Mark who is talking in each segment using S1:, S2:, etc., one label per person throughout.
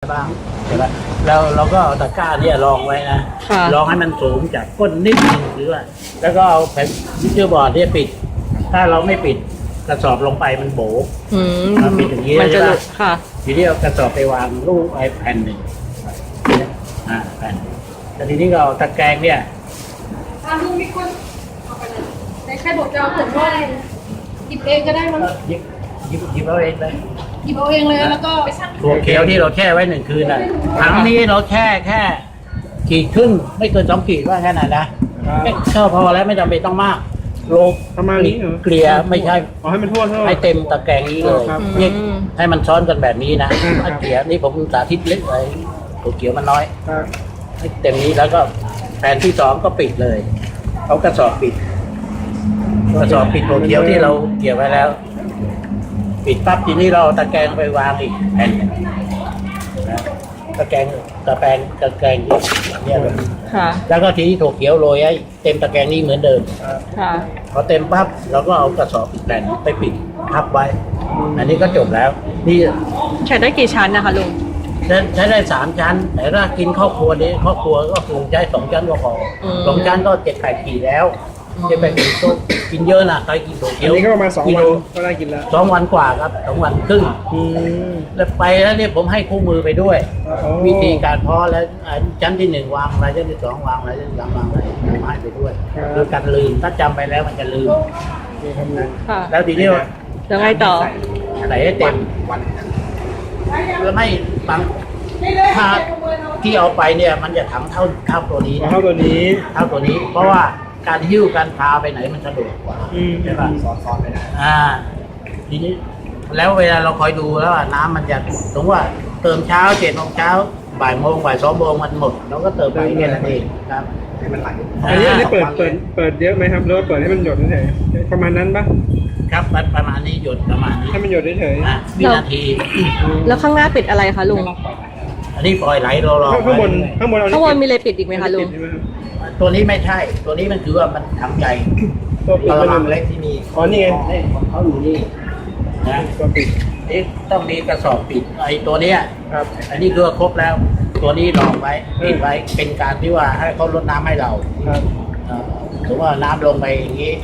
S1: บ้างใช่ไหมแล้วเราก็เอาตะกร้าเนี่ยรองไว้นะรองให้มันสูงจากก้นนิดนึงหรือว่าแล้วก็เอาแผ่นวิทยุบอร์ดเนี่ยปิดถ้าเราไม่ปิดกระสอบลงไปมันโบมันปิดอย่างนี้ใช่ไหม
S2: ค่ะ
S1: ทีนี้เอากระสอบไปวางรูปไอ้แผ่นหนึ่งแผ่นแต่ทีนี้ก็เอาตะแกรงเนี่ย
S3: ลุงมีคนเอาไปเลยในแค่บอกจะเอาผมว่าหยิบเองก็ได้มั้ง
S1: หยิบเอาเองเลย
S3: หยิบเอาเองเลยแล้วก็
S1: ถั่วเขียวที่เราแช่ไว้1 คืนน่ะถังนี้เราแช่แค่ขีดครึ่งไม่เกิน2 ขีดว่าแค่นั้นนะก็พอแล้วไม่จำเป็นต้องมากโล
S4: ประมาณนี้
S1: เกลี่ยไม่ใช่
S4: ให้มันทั่ว
S1: ให้เต็มตะแกรงนี้เลยนี่ให้มันซ้อนกันแบบนี้นะเกลี่ยนี่ผมสาธิตเล็กเลยถั่วเขียวมันน้อยให้เต็มนี้แล้วก็แผ่นที่2ก็ปิดเลยเอากระสอบปิดถั่วเขียวที่เราเกี่ยวไว้แล้วปิดปั๊บทีนี้เราตะแกรงไปวางอีกแผ่นนะตะแกรงเนี่ยเลยแล้วก็ทีนี้ถั่วเขียวโรยให้เต็มตะแกรงนี้เหมือนเดิมพอเต็มปั๊บเราก็เอากระสอบอีกแผ่นไปปิดทับไว้อันนี้ก็จบแล้วนี่
S2: ใช้ได้กี่ชั้นนะคะลุง
S1: ใช้ได้3 ชั้นแต่ถ้ากินครอบครัวนี้ครอบครัวก็คงใช้2 ชั้นก็พอ2 ชั้นก็7-8 ขีดแล้ว7-8 ขีดก็กินเยอะนะใครกินถั่วเขียว
S4: อันนี้ก็ประมาณ2 วันก็ได้กินแล้ว
S1: 2 วันกว่าครับ2 วันครึ่งแล้วไปแล้วเนี่ยผมให้คู่มือไปด้วยวิธีการเพาะแล้วชั้นที่1วางอะไรชั้นที่2วางอะไรชั้นที่3วางอะไรผมให้ไปด้วยคือการลืมถ้าจำไปแล้วมันจะลืมแล้วทีนี้
S2: ยังไงต่อ
S1: ใส่ให้เต็มแล้วไม่บางถ้าที่เอาไปเนี่ยมันจะถังเท่าตัวนี้
S4: เท่าตัวนี้
S1: เพราะว่าการหิ้วการพาไปไหนมันสะดวกกว่าใช่ป่ะซ้อนไปได้ทีนี้แล้วเวลาเราคอยดูแล้วน้ำมันจะสมมติว่าเติมเช้า7 โมงเช้าบ่ายโมง2 โมงมันหมดเราก็เติมไปแค่นั้นเองครับ
S4: ให้มันไหลอันนี้เปิดเยอะไหมครับหรือว่าเปิดให้มันหยดเฉยๆประมาณนั้นปะ
S1: ครับประมาณนี้หยดประมาณนี้
S4: ให้มันหยดเฉย
S1: ๆวินาที
S2: แล้วข้างหน้าปิดอะไรคะลุง
S1: อันนี้ปล่อยไหลรอ
S4: ข้างบน
S2: มีอะไรปิดอีกไหมคะลุง
S1: ตัวนี้ไม่ใช่ตัวนี้มันคือว่ามันถังใหญ่
S4: ตัวปิด
S1: มันเล็กที่มี
S4: นี่ไง
S1: เขาอยู่นี่นะ
S4: ตัวปิด
S1: นี่ต้องมีกระสอบปิดไอ้ตัวเนี้ยครับอันนี้คือครบแล้วตัวนี้รองไว้ปิดไว้เป็นการที่ว่าให้เขาลดน้ำให้เรา
S4: ครับ
S1: ถือว่าน้ำลงไปอย่างนี้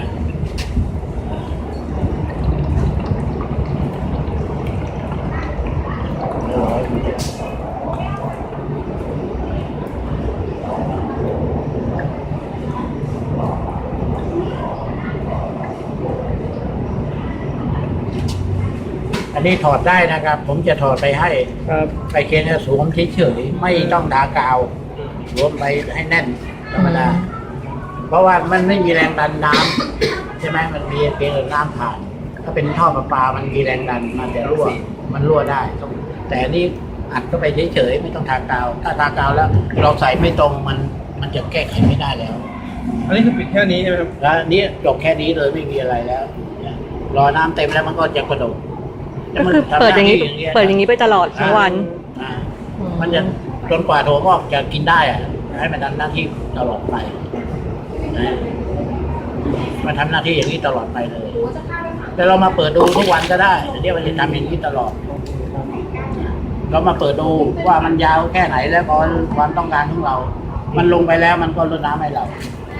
S1: อันนี้ถอดได้นะครับผมจะถอดไปให้ไปเคนสวมเฉยๆไม่ต้องทากาวสวมไปให้แน่นธรรมดาเพราะว่ามันไม่มีแรงดันน้ำใช่ไหมมันมีเพียงน้ำผ่านถ้าเป็นท่อประปามันมีแรงดันมันจะรั่วได้แต่นี่อัดเข้าไปเฉยๆไม่ต้องทากาวถ้าทากาวแล้วเราใส่ไม่ตรงมันจะแก้ไขไม่ได้แล้ว
S4: อันนี้คือปิดแค่นี้ใช่ไหมครับ
S1: แล้วนี่จบแค่นี้เลยไม่มีอะไรแล้วรอน้ำเต็มแล้วมันก็จะกระโดด
S2: ก็คือเปิดอย่างนี้ไปตลอดทั้งวัน
S1: มันจะจนกว่าถั่วงอกจะกินได้ให้มันทำหน้าที่ตลอดไปมันทำหน้าที่อย่างนี้ตลอดไปเลยแต่เรามาเปิดดูทุกวันก็ได้เดี๋ยวมันจะทำอย่างนี้ตลอดเรามาเปิดดูว่ามันยาวแค่ไหนแล้วพอความต้องการของเรา มันลงไปแล้วมันก็ลดน้ำให้เรา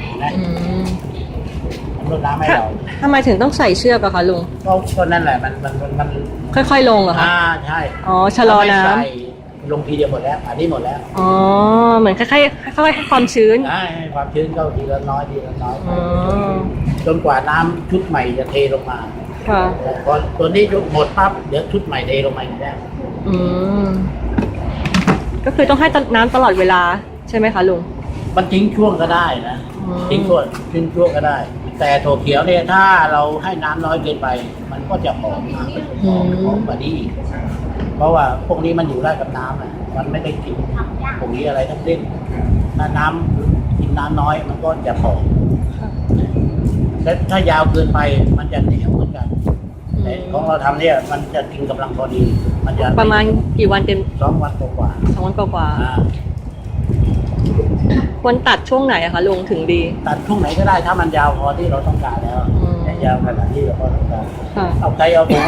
S1: ลดน้ำให้เรา
S2: ทำไมถึงต้องใส่เชือกอะคะลุง
S1: ก็นั่นแหละมัน
S2: ค่อยๆลงเหรอคะ
S1: ใช่
S2: ชะลอน้
S1: ำลงทีเดียวหมดแล้วอันนี้หมดแล้ว
S2: เหมือนค่อยๆให้ความชื้น
S1: ให้ความชื้นเข้าทีละน้อยจนกว่าน้ำชุดใหม่จะเทลงมาพอตัวนี้หมดปั๊บเดี๋ยวชุดใหม่เทลงมาอีกแล้ว
S2: ก็คือต้องให้น้ำตลอดเวลาใช่ไหมคะลุง
S1: มันทิ้งช่วงก็ได้นะทิ้งช่วงก็ได้แต่ถั่วเขียวเนี่ยถ้าเราให้น้ำน้อยเกินไปมันก็จะหอมกว่านี้เพราะว่าพวกนี้มันอยู่ได้กับน้ำมันไม่ได้กินพวกนี้อะไรทั้งสิ้นถ้าน้ำกินน้ำน้อยมันก็จะหอมและถ้ายาวเกินไปมันจะเหนียวเหมือนกันแต่ของเราทำเนี่ยมันจะกินกำลังพอดีมันจะ
S2: ประมาณกี่วันเต็ม
S1: 2 วันกว่า
S2: 2 วันกว่าควรตัดช่วงไหนอะคะลุงถึงดี
S1: ตัดช่วงไหนก็ได้ถ้ามันยาวพอที่เราต้องการแล้วยาวขนาดที่เราต้องการเอาใจเอา